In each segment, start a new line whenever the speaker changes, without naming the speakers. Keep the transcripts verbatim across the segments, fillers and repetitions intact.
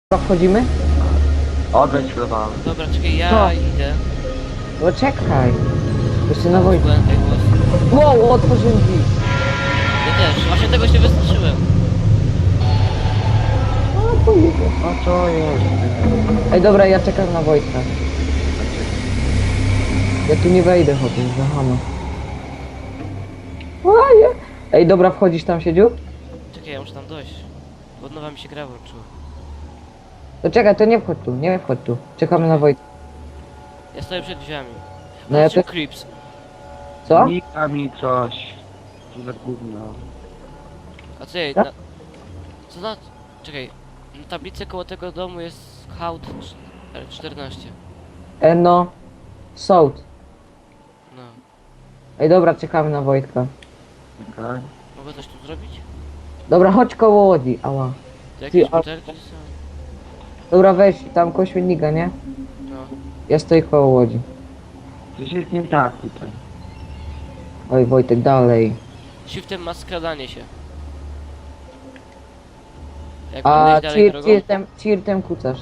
Wchodzimy?
Odejdź chwilowałem.
Dobra, czekaj, ja
Co?
idę.
No czekaj. Jeszcze na wojnę.
Byłem tutaj głos.
Wow, otworzyłem drzwi.
Ja też, właśnie tego się wystraszyłem.
No to idę.
A co jest?
Ej, dobra, ja czekam na Wojtka. Ja tu nie wejdę, chłopie, zahano. Łaje. Ej, dobra, wchodzisz tam, siedziu?
Czekaj, ja muszę tam dojść. Bo od nowa mi się gra włączyła.
To czekaj, to nie wchodź tu, nie wchodź tu. Czekamy na Wojtka.
Ja stoję przed drzwiami.
No ja
Patrzcie,
też.
creeps.
Co?
Nika mi coś. Co za gówno.
A co jej,
Tak?
na... Co na... Czekaj. Na tablicy koło tego domu jest hołd czternaście.
E, no. Sołd.
No.
Ej, dobra, czekamy na Wojtka.
Okej.
Mogę coś tu zrobić?
Dobra, chodź koło łodzi, ała.
To jakieś
Ty, a-
butelki są?
Dobra, weź tam koło śmietnika, nie?
No.
Ja stoję koło łodzi.
Coś jest nie tak tutaj.
Oj, Wojtek, dalej.
Shiftem ma skradanie się. Jak
A
mam iść dalej
cheer,
drogą?
cheertem, cheertem kucasz.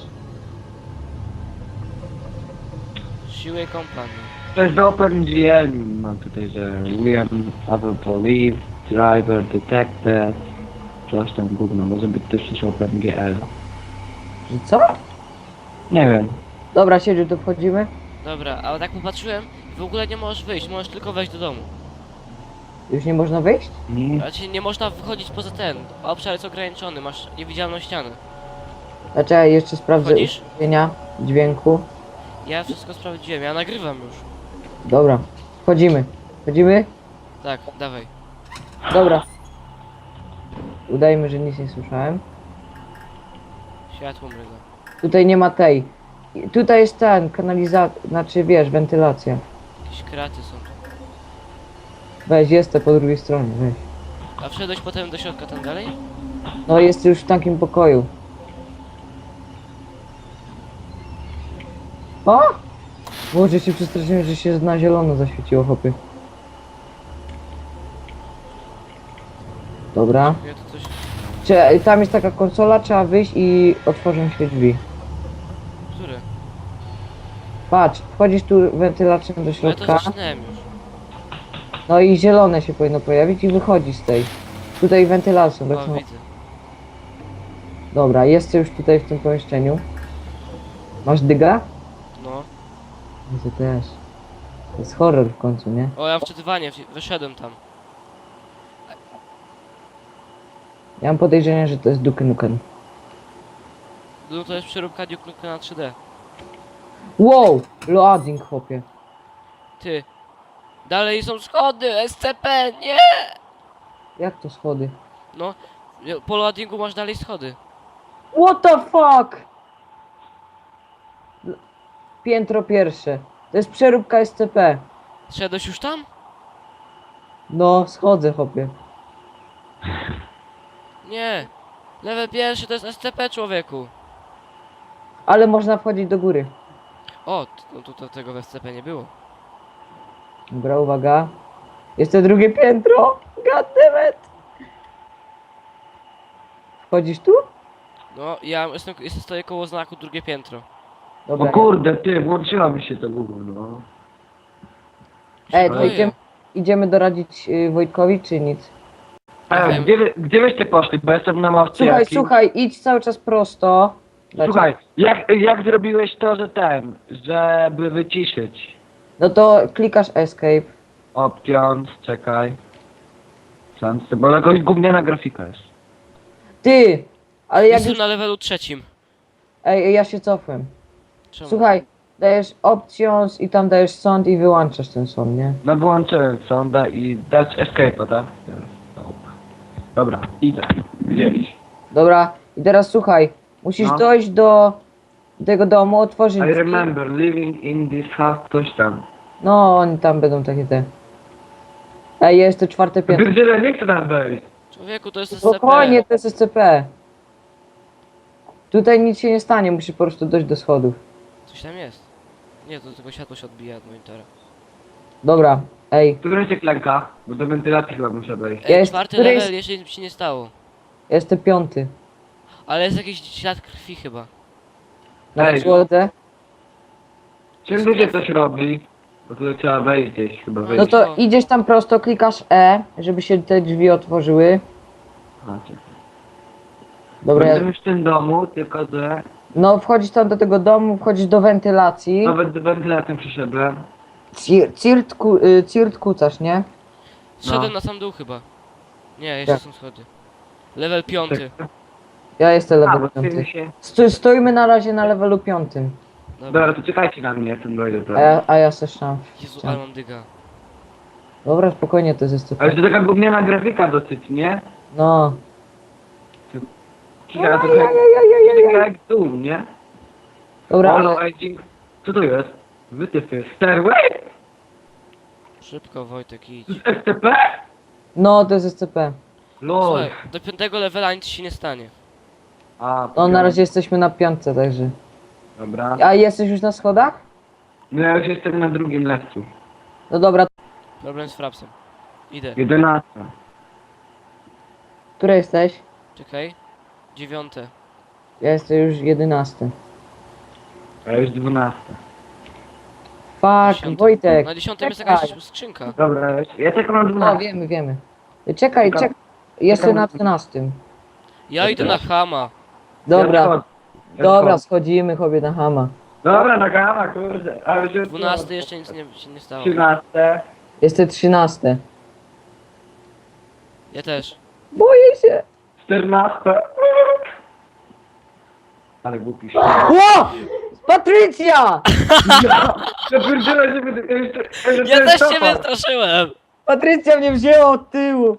Siły kompanii.
To jest do Open G L. Mam tutaj, że William, Apple Police, Driver, Detected. Coś tam gówno. Może być też coś Open G L.
Że co?
Nie wiem.
Dobra, siedziu, tu wchodzimy?
Dobra, ale tak popatrzyłem, w ogóle nie możesz wyjść, możesz tylko wejść do domu.
Już nie można wyjść?
Nie.
Raczej nie można wychodzić poza ten. Obszar jest ograniczony, masz niewidzialną ścianę.
Znaczy, jeszcze sprawdzę
Wchodzisz?
ustawienia dźwięku.
Ja wszystko sprawdziłem, ja nagrywam już.
Dobra, wchodzimy. Wchodzimy?
Tak, dawaj.
Dobra. Udajmy, że nic nie słyszałem.
Światło mryga.
Tutaj nie ma tej. I tutaj jest ten, kanalizacja, znaczy wiesz, wentylacja.
Jakieś kraty są tu.
Weź, jestem po drugiej stronie, weź.
A wszedłeś potem do środka tam dalej?
No, jest już w takim pokoju. O! Boże, się przestraszyłem, że się na zielono zaświeciło, chłopy. Dobra.
Ja tu coś...
Cze- tam jest taka konsola, trzeba wyjść i otworzą się drzwi.
Które?
Patrz, wchodzisz tu wentylacją do
Ale to
środka,
zaczynałem już.
no i zielone się powinno pojawić i wychodzi z tej. Tutaj wentylacją, tak
O,
samo.
widzę.
Dobra, jestem już tutaj w tym pomieszczeniu. Masz dyga?
No.
No to też. To jest horror w końcu, nie?
O, ja wczytywanie, wsi- wyszedłem tam.
Ja mam podejrzenie, że to jest Duke Nukem.
No to jest przeróbka Duke Nukem na trzy D.
Wow! Loading, chłopie.
Ty. Dalej są schody, S C P, nie!
Jak to schody?
No, po loadingu masz dalej schody.
What the fuck? L- Piętro pierwsze. To jest przeróbka S C P.
Szedłeś już tam?
No, schodzę, chłopie.
Nie. Level pierwszy to jest S C P, człowieku.
Ale można wchodzić do góry.
O, t- no to, to tego w S C P nie było.
Dobra, uwaga. Jeszcze drugie piętro. God damn it. Wchodzisz tu?
No, ja jestem, jestem stoję koło znaku drugie piętro.
O
Dobra.
kurde, ty, włączyła mi się to gówno.
Ej, to
Boję.
idziemy, idziemy doradzić y, Wojtkowi, czy nic?
E,
Wiem.
gdzie, wy, gdzie wyście poszli? Bo jestem na mapce.
Słuchaj,
jakiej-
słuchaj, idź cały czas prosto. Znaczy-
Słuchaj, jak, jak zrobiłeś to, że ten, żeby wyciszyć?
No to klikasz escape.
Options, czekaj. Sans, bo jakoś gówniana grafika jest.
Ty! Ale jak
Jestem
już...
na levelu trzecim.
Ej, ja się cofłem.
Czemu?
Słuchaj, dajesz options i tam dajesz sound i wyłączasz ten sound, nie?
No wyłączyłem sonda i dać escape'a, tak? Dobra, idę. Gdzieś.
Dobra, i teraz słuchaj, musisz
No.
dojść do tego domu, otworzyć
I
drzwi.
remember living in this house, coś tam.
No, oni tam będą takie te... Ej, jest to czwarte piętro.
Pierdziele, nie chcę tam wejść.
Człowieku, to jest S C P.
Spokojnie, to jest S C P. Tutaj nic się nie stanie, musisz po prostu dojść do schodów.
Coś tam jest. Nie, to tylko światło się odbija od monitora.
Dobra, ej,
Tu wreszcie klęka, bo do wentylacji chyba muszę wejść.
Ej,
Jest-
czwarty
który
level,
jest-
jeszcze nic się nie stało.
jestem piąty.
Ale jest jakiś ślad krwi chyba.
Na
Ej.
podłodze.
Czym ludzie coś robi? Bo tu trzeba wejść gdzieś, chyba wejść.
No to idziesz tam prosto, klikasz E, żeby się te drzwi otworzyły.
Macie.
Dobra,
Będę
ja...
już w tym domu, tylko że
no wchodzisz tam do tego domu, wchodzisz do wentylacji.
nawet z wentylacją przyszedłem.
Cir- Cirt, ku, y, cirt kucasz, nie?
Zszedłem
No.
na sam dół chyba. Nie, jeszcze
Tak.
są schody. Level piąty.
Ja jestem
A,
level
bo
piąty.
ty się...
Sto, stoimy na razie na levelu piątym.
Dobra.
Dobra, to czekajcie na mnie, jak ten dojdę
A
prawie.
ja, a ja se szam.
Jezu, ale mam dyga.
Dobra, spokojnie, to jest S C
Ale
P.
to taka gówniana grafika dosyć, nie?
No.
Kika, to tak jak tu, nie?
Dobra,
Holo,
ale...
aging. Co to jest? Wytyfy. Stairway?
Szybko Wojtek idź.
To jest S C P?
No, to jest S C P.
Lol.
Słuchaj, do piątego levela nic się nie stanie.
A,
No, na razie jesteśmy na piątce, także...
Dobra.
A jesteś już na schodach?
No ja już jestem na drugim lewcu.
No dobra,
Problem z frapsem. Idę.
jedenasta.
które jesteś?
Czekaj. Dziewiąte.
Ja jestem już jedenasty.
A już dwunasta.
Fuck,
Dziesiąte.
Wojtek.
Na dziesiątym jest
czekaj.
jakaś skrzynka.
Dobra, ja tylko na
No,
dwunastą.
wiemy, wiemy. Czekaj,
Czekam.
czekaj. Jestem
Czekam.
na trzynastym.
Ja idę na Hama.
Dobra,
Ja wchodzę. Ja
dobra,
wchodzę.
schodzimy chobie na hama.
Dobra, na gama, kurde. Ale już jest
Dwunasty jeszcze nic nie, się nie stało.
trzynaste.
Jestem trzynasty.
Ja też.
Boję się.
czternaste. Ale głupi się.
Ło! Patrycja!
Ja pierdzielę, że będę... Ja, jeszcze, ja, jeszcze
Ja też
topar.
cię wystraszyłem!
Patrycja mnie wzięła od tyłu.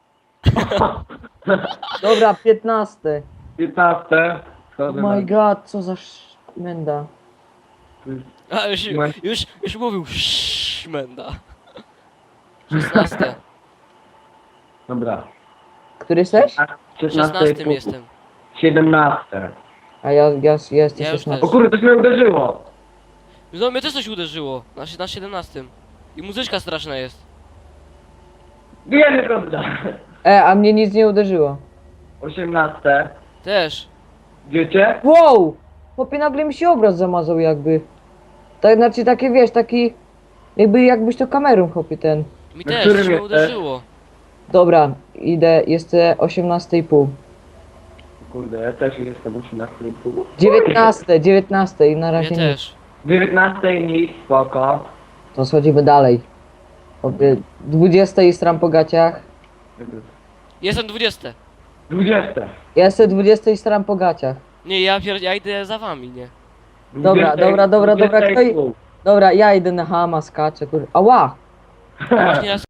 Dobra, piętnasty.
piętnaste.
Oh
Wchodzę
my
na-
god, co za szmenda.
A już,
Masz-
już, już mówił szmenda. Szesnaste.
Dobra.
Który jesteś?
Szesnastym jestem.
siedemnaste.
A ja, ja, ja jestem
Ja już
szesnasty.
O kurde, coś mnie uderzyło.
No mnie też coś uderzyło. Na, si- na siedemnastym. I muzyczka straszna jest.
Bijemy kąta.
E, a mnie nic nie uderzyło.
osiemnaste.
Też.
Wiecie?
Wow! Chłopie, nagle mi się obraz zamazał jakby. Tak, znaczy takie, wiesz, taki... Jakby, jakbyś to kamerą, chłopie, ten.
Mi
Na
też,
którym
coś mnie
jesteś?
uderzyło.
Dobra, idę, jestem osiemnaście i pół.
Kurde, ja też jestem osiemnaście i pół.
dziewiętnaście, dziewiętnaście i na
Ja
razie nie.
też.
dziewiętnaste i nic, spoko.
To schodzimy dalej. Chłopie, dwudzieste i stram po gaciach.
Jestem dwudziesty.
dwudzieste.
Ja jestem dwudzieste i stram po gaciach.
Nie, ja, pier... ja idę za wami, nie?
Dobra, dobra, dobra, dobra,
dwudzieste i
kto i-
pół.
Dobra, ja idę na hama, skaczę, kur... Ała!
Właśnie ja